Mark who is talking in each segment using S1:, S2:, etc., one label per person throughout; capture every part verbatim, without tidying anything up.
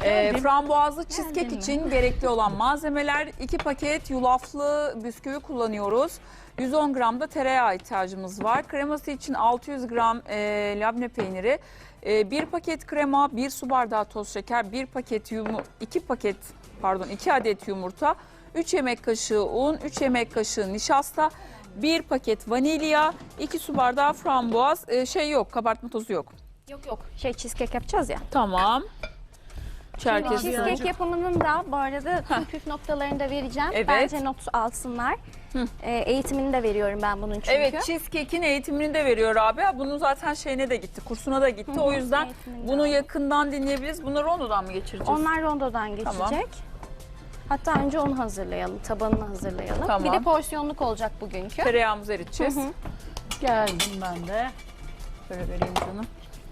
S1: Ee,
S2: Geldim.
S1: frambuazlı cheesecake
S3: Geldin mi?
S1: için gerekli olan malzemeler: iki paket yulaflı bisküvi kullanıyoruz. yüz on gram da tereyağı ihtiyacımız var. Kreması için altı yüz gram e, labne peyniri, e, bir paket krema, bir su bardağı toz şeker, bir paket yumu, iki paket pardon iki adet yumurta, üç yemek kaşığı un, üç yemek kaşığı nişasta, bir paket vanilya, iki su bardağı frambuaz. E, şey yok, kabartma tozu yok.
S3: Yok yok. Şey cheesecake yapacağız ya.
S1: Tamam. Çerkez.
S3: Cheesecake yapımının da bu arada tüm püf noktalarını da vereceğim.
S1: Evet.
S3: Bence not alsınlar. Ee, eğitimini de veriyorum ben bunun çünkü.
S1: Evet, cheesecake'in eğitimini de veriyor abi. Bunun zaten şeyine de gitti, kursuna da gitti.
S3: Hı hı,
S1: O yüzden
S3: eğitimini de
S1: bunu
S3: aldım.
S1: yakından dinleyebiliriz. Bunları rondodan mı geçireceğiz?
S3: Onlar rondodan geçecek.
S1: Tamam.
S3: Hatta önce onu hazırlayalım, tabanını hazırlayalım.
S1: Tamam.
S3: Bir de porsiyonluk olacak bugünkü.
S1: Tereyağımızı eriteceğiz.
S3: Hı hı.
S2: Geldim ben de.
S1: Böyle vereyim canım.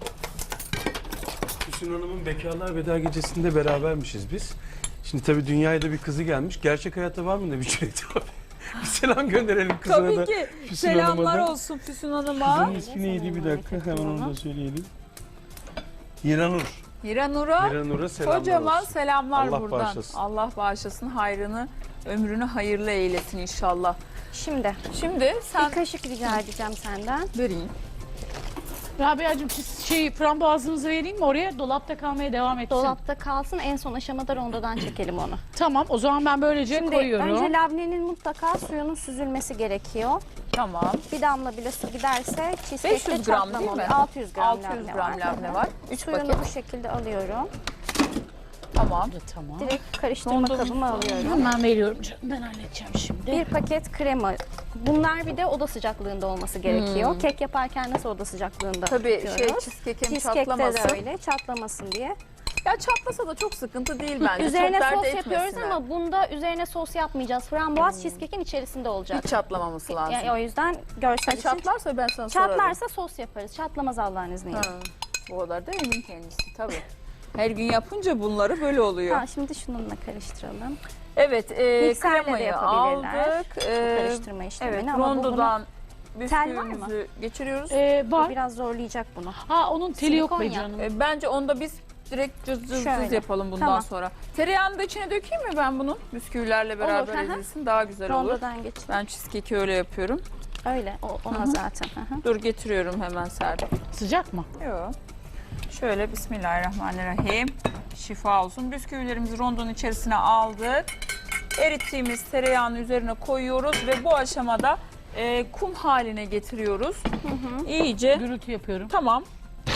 S4: Füsun Hanım'ın Bekarlar Veda Gecesi'nde berabermişiz biz. Şimdi tabii dünyaya da bir kızı gelmiş. Gerçek hayatta var mı ne bir Cüneyt abi? Bir selam gönderelim kızına
S1: Tabii
S4: da.
S1: ki.
S4: Füsun
S1: Selamlar
S4: Hanım'a da.
S1: olsun Füsun Hanım'a.
S4: Kızın ismi neydi bir dakika hemen onu da söyleyelim. İranur.
S1: İranur'a
S4: İranur'a selamlar
S1: kocaman
S4: olsun.
S1: selamlar
S4: Allah
S1: buradan.
S4: bağışlasın.
S1: Allah bağışlasın, hayrını, ömrünü hayırlı eylesin inşallah.
S3: Şimdi
S1: Şimdi sen
S3: bir kaşık rica edeceğim senden.
S1: vereyim.
S2: Rabia'cığım siz şey frambuazınızı vereyim mi oraya? Dolapta kalmaya devam etsin.
S3: Dolapta kalsın, en son aşamada rondodan çekelim onu.
S2: Tamam o zaman ben böylece
S3: Şimdi
S2: koyuyorum.
S3: önce labnenin mutlaka suyunun süzülmesi gerekiyor.
S1: Tamam.
S3: Bir damla bile su giderse
S1: beş
S3: cheesecake'te
S1: yüz gram
S3: çatlama
S1: değil mi?
S3: oluyor. altı yüz gram,
S1: altı yüz
S3: labne
S1: gram
S3: var.
S1: labne var. üç
S3: Suyunu
S1: paket.
S3: bu şekilde alıyorum.
S1: Tamam.
S2: Tamam.
S3: Direkt karıştırma
S1: Rondodan
S3: kabıma alıyorum.
S2: Hemen veriyorum canım. Ben halledeceğim şimdi.
S3: Bir paket krema. Bunlar bir de oda sıcaklığında olması gerekiyor.
S1: Hmm.
S3: Kek yaparken nasıl oda sıcaklığında
S1: Tabii şey
S3: yapıyoruz?
S1: cheesecake'im
S3: Cheesecake'te
S1: çatlamasın.
S3: de öyle, çatlamasın diye.
S1: Ya çatlasa da çok sıkıntı değil bence.
S3: Üzerine
S1: çok dert
S3: sos
S1: etmesinler.
S3: yapıyoruz ama bunda üzerine sos yapmayacağız. Frambuaz cheesecake'in içerisinde olacak.
S1: Hiç çatlamaması lazım.
S3: Yani o yüzden görsel
S1: Ha,
S3: için
S1: çatlarsa ben sana sorarım.
S3: çatlarsa sos yaparız. Çatlamaz Allah'ın izniyle.
S1: Ha, bu kadar da emin kendisi tabii. Her gün yapınca bunları böyle oluyor.
S3: Ha, şimdi şununla karıştıralım.
S1: Evet, e,
S3: Mikserle de
S1: kremayı
S3: yapabilirler.
S1: aldık.
S3: Bu
S1: E,
S3: karıştırma işlemini
S1: evet,
S3: ama bu
S1: rondodan
S3: Tel var mı?
S1: bisküvimizi geçiriyoruz.
S2: Ee,
S3: bunu,
S2: var.
S3: bu biraz zorlayacak bunu.
S2: Ha onun teli yok be
S3: Silikon ya.
S2: canım.
S1: E, bence onda biz direkt cız cız
S3: Şöyle.
S1: cız yapalım bundan
S3: Tamam.
S1: sonra. Tereyağını da içine dökeyim mi ben bunu? Bisküvilerle beraber
S3: Olur, hı hı.
S1: ezilsin daha güzel olur.
S3: Rondodan geç.
S1: Ben cheesecake'i öyle yapıyorum.
S3: Öyle, o, ona zaten. Hı hı.
S1: Dur getiriyorum hemen Serpil.
S2: Sıcak mı?
S1: Yok. Şöyle bismillahirrahmanirrahim. Şifa olsun. Bisküvilerimizi rondonun içerisine aldık. Erittiğimiz tereyağını üzerine koyuyoruz ve bu aşamada e, kum haline getiriyoruz. İyice.
S2: Gürültü yapıyorum.
S1: Tamam.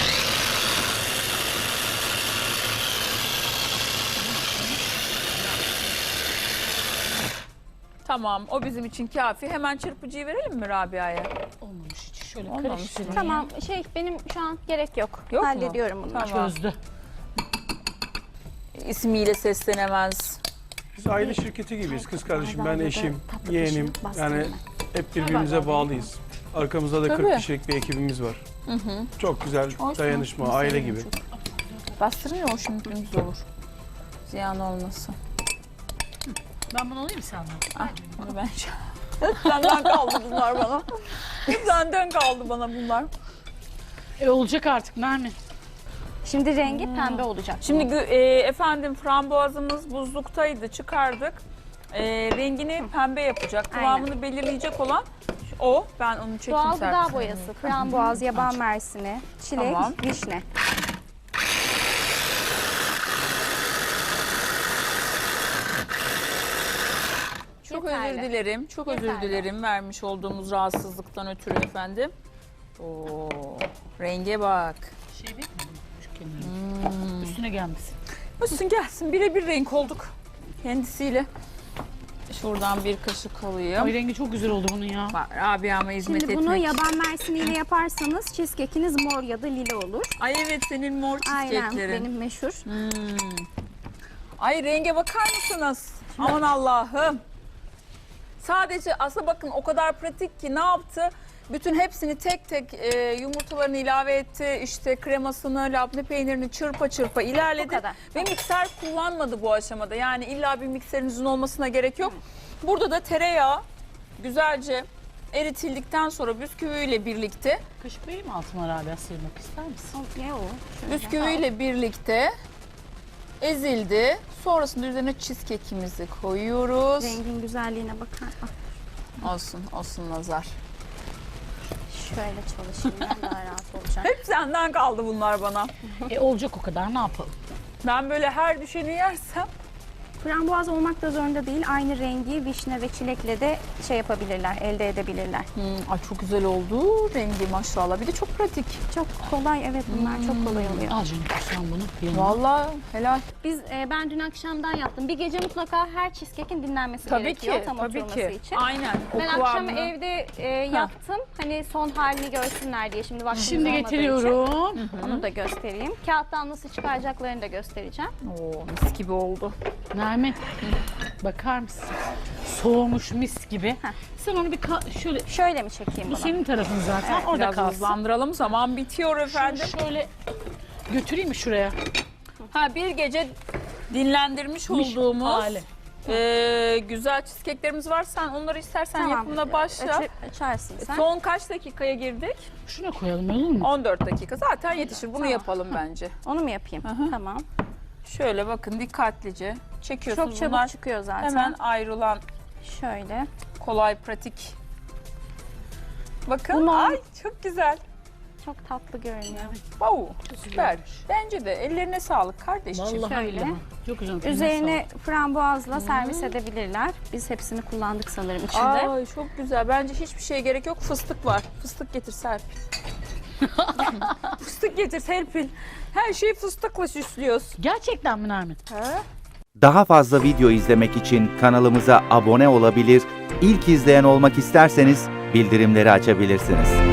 S1: Tamam, o bizim için kafi. Hemen çırpıcıyı verelim mi Rabia'ya?
S2: Olmamış hiç. Şöyle
S1: Olmamış.
S2: karıştırayım.
S3: Tamam, şey benim şu an gerek yok.
S1: Yok mu?
S3: Hallediyorum bunu.
S1: Tamam.
S2: Çözdü.
S1: İsmiyle seslenemez.
S4: Biz aile şirketi gibiyiz. Kız kardeşim, ben
S3: Bardağında
S4: eşim,
S3: tatlı
S4: yeğenim.
S3: kaşığı bastırma.
S4: Yani hep birbirimize bağlıyız. Arkamızda da
S1: Tabii.
S4: kırk kişilik bir ekibimiz var.
S1: Hı hı.
S4: Çok güzel
S1: Olsun.
S4: dayanışma, aile gibi.
S1: Bastırın ya, o şimdi dümdüz olur. Ziyan olmasın.
S2: Ben bunu alayım senden.
S1: Ah, bunu ben Senden kaldı bunlar bana. Senden kaldı bana bunlar.
S2: E olacak artık Nermin.
S3: Şimdi rengi pembe olacak.
S1: Şimdi gü- e, efendim frambuazımız buzluktaydı, çıkardık. E, rengini pembe yapacak. Kıvamını belirleyecek olan o. Ben onu çekeyim.
S3: Doğal
S1: Serpil.
S3: gıda boyası, frambuaz, yaban mersini, çilek,
S1: Tamam.
S3: vişne.
S1: Çok
S3: Yeterli.
S1: özür dilerim. Çok özür
S3: Yeterli.
S1: dilerim vermiş olduğumuz rahatsızlıktan ötürü efendim. Oo, renge bak.
S2: Şey değil mi? Şu kenarı. Üstüne gelmesin.
S1: Olsun gelsin. Birebir renk olduk kendisiyle. Şuradan bir kaşık alayım.
S2: Ay rengi çok güzel oldu bunun ya.
S1: Bak Rabia'ma hizmet
S3: Şimdi
S1: etmek.
S3: bunu yaban mersiniyle yaparsanız cheesecake'iniz mor ya da lila olur.
S1: Ay evet, senin mor
S3: Aynen,
S1: cheesecake'lerin.
S3: benim meşhur.
S1: Hmm. Ay renge bakar mısınız? Aman Allah'ım. Sadece aslında bakın o kadar pratik ki ne yaptı? Bütün hepsini tek tek e, yumurtalarını ilave etti. İşte kremasını, labne peynirini çırpa çırpa
S3: Bu
S1: ilerledi.
S3: kadar.
S1: Ve mikser kullanmadı bu aşamada. Yani illa bir mikserinizin olmasına gerek yok. Burada da tereyağı güzelce eritildikten sonra bisküviyle birlikte
S2: Kaşık vereyim mi altıma Rabia sıyırmak ister misin?
S3: Ne o? Şöyle.
S1: bisküviyle birlikte ezildi. Sonrasında üzerine cheesecake'imizi koyuyoruz.
S3: Rengin güzelliğine bakar. Ah,
S1: Olsun, olsun nazar.
S3: şöyle çalışayım ben, daha rahat olacak.
S1: Hep senden kaldı bunlar bana.
S2: E olacak o kadar, ne yapalım?
S1: Ben böyle her düşeni yersem
S3: Frambuaz olmak da zorunda değil. Aynı rengi vişne ve çilekle de şey yapabilirler, elde edebilirler.
S1: Hmm, ay çok güzel oldu rengi maşallah. Bir de çok pratik.
S3: Çok kolay, evet, bunlar çok kolay oluyor.
S2: Al canım sen bunu. yanına.
S1: Vallahi helal.
S3: Biz e, ben dün akşamdan yaptım. Bir gece mutlaka her cheesecake'in dinlenmesi
S1: Tabii
S3: gerekiyor
S1: ki,
S3: tam
S1: tabii
S3: oturması
S1: ki.
S3: için.
S1: Aynen. O
S3: Ben akşam
S1: kıvamını-
S3: evde e, yaptım. Hani son halini görsünler diye. Şimdi vaktimiz
S2: Şimdi
S3: olmadığı
S2: getiriyorum.
S3: için onu da göstereyim. Kağıttan nasıl çıkaracaklarını da göstereceğim.
S1: Oo, mis gibi oldu.
S2: Nermin, bakar mısın? Soğumuş mis gibi.
S3: Heh.
S2: Sen onu bir ka- şöyle,
S3: Şöyle mi çekeyim
S2: bu
S3: bunu?
S2: senin tarafın zaten,
S1: Evet,
S2: orada
S1: biraz
S2: kalsın.
S1: hızlandıralım. Zaman bitiyor
S2: Şunu
S1: efendim.
S2: şöyle götüreyim mi şuraya?
S1: Ha, bir gece dinlendirmiş
S2: Miş
S1: olduğumuz
S2: hali.
S1: e, güzel cheesecake'lerimiz var. Sen onları istersen
S3: Tamam.
S1: yapımına başla.
S3: Açı- açarsın sen.
S1: Son kaç dakikaya girdik?
S2: Şuna koyalım, olur mu?
S1: on dört dakika. Zaten yetişir. Bunu
S3: Tamam.
S1: yapalım bence.
S3: Onu mu yapayım?
S1: hı.
S3: Tamam.
S1: Şöyle bakın dikkatlice çekiyorsunuz.
S3: Çok çabuk
S1: Bunlar
S3: çıkıyor zaten.
S1: hemen ayrılan
S3: Şöyle.
S1: kolay pratik. Bakın.
S3: Bunu-
S1: Ay çok güzel.
S3: Çok tatlı görünüyor.
S1: Wow, süper.
S2: güzelmiş.
S1: Bence de ellerine sağlık kardeşim.
S2: Vallahi
S3: Şöyle.
S2: billahi. Çok güzel.
S3: Üzerine frambuazla servis edebilirler. Biz hepsini kullandık sanırım içinde.
S1: Ay çok güzel. Bence hiçbir şeye gerek yok. Fıstık var. Fıstık getir Serpil. Fıstık getir Serpil. Her şeyi fıstıkla süslüyoruz.
S2: Gerçekten mi Nermin?
S1: Ha?
S5: Daha fazla video izlemek için kanalımıza abone olabilir, ilk izleyen olmak isterseniz bildirimleri açabilirsiniz.